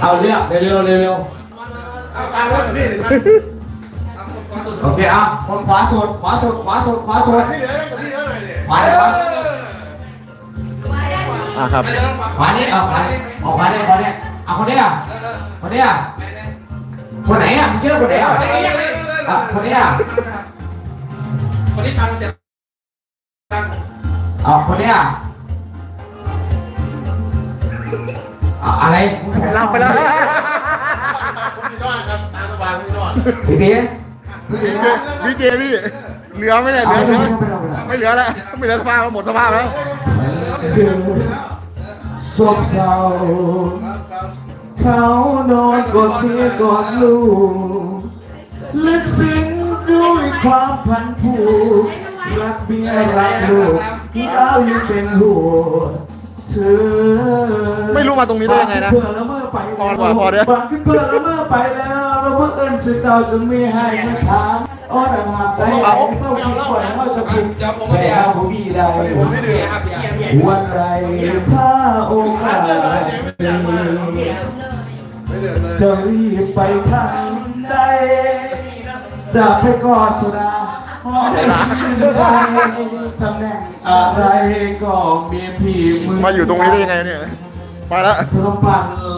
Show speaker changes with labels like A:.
A: เอาเรื่องเร็ว
B: เอาตามรถพี่
A: โอเคอ่ะคนขวาสุดขวาสุด
B: พี่เหลือกับพี่เท่าไหร่เนี่ย
A: ขวาเลยปะ
C: ครับ
A: ขวานี่ขวานี่ขวานี่เอาคนนี้อ่ะคนไหนอ่ะคนไหนอ่ะคนไหนอ่ะคนนี้อ่ะ
D: คนนี้ตังค์เจ็บตังค์
A: คนนี้อ่ะอะไร
C: หลับไปแล้ว
B: ผมที่นอนครับตามสบายผมที่นอน
A: พี่ตี
C: พี่เจพี่เหลือไหมเนี่ยเหลือไม่เหลือแล้วไม่เหลือสภาพหมดสภาพแล้ว
A: ศพเศร้าเขานอนกอดเมียกอดลูกลึกซึ้งด้วยความพันผูกรักเมียรักลูกเรายังเป็นหัวเธอ
C: ไม่รู้มาตรงนี้ได้ยังไงนะ
A: เพื่อละเมื่อไป
C: พอเดี๋ยว
A: บังขึ้นเพื่อละเมื่อไปแล้วเราเมื่อเอิญสื่อเจ้าจนไม่ให้มาถามอ้อนหาใจไหลเศร้าคิดปล่อยเขาจะพิมพ์แพ้ผู้พี่ใด
B: ผมไม่ดื่ม
D: ครับอย่า
A: วันไรถ้าโอกาสมีจะรีบไปทางใดจะไปกอดสุดาหอมชื่นใจตำแหน่งอะไรก็มีพี่มือ
C: มาอยู่ตรงนี้ได้ยังไงเนี่ยไปแล้ว
A: เพื่อปั่น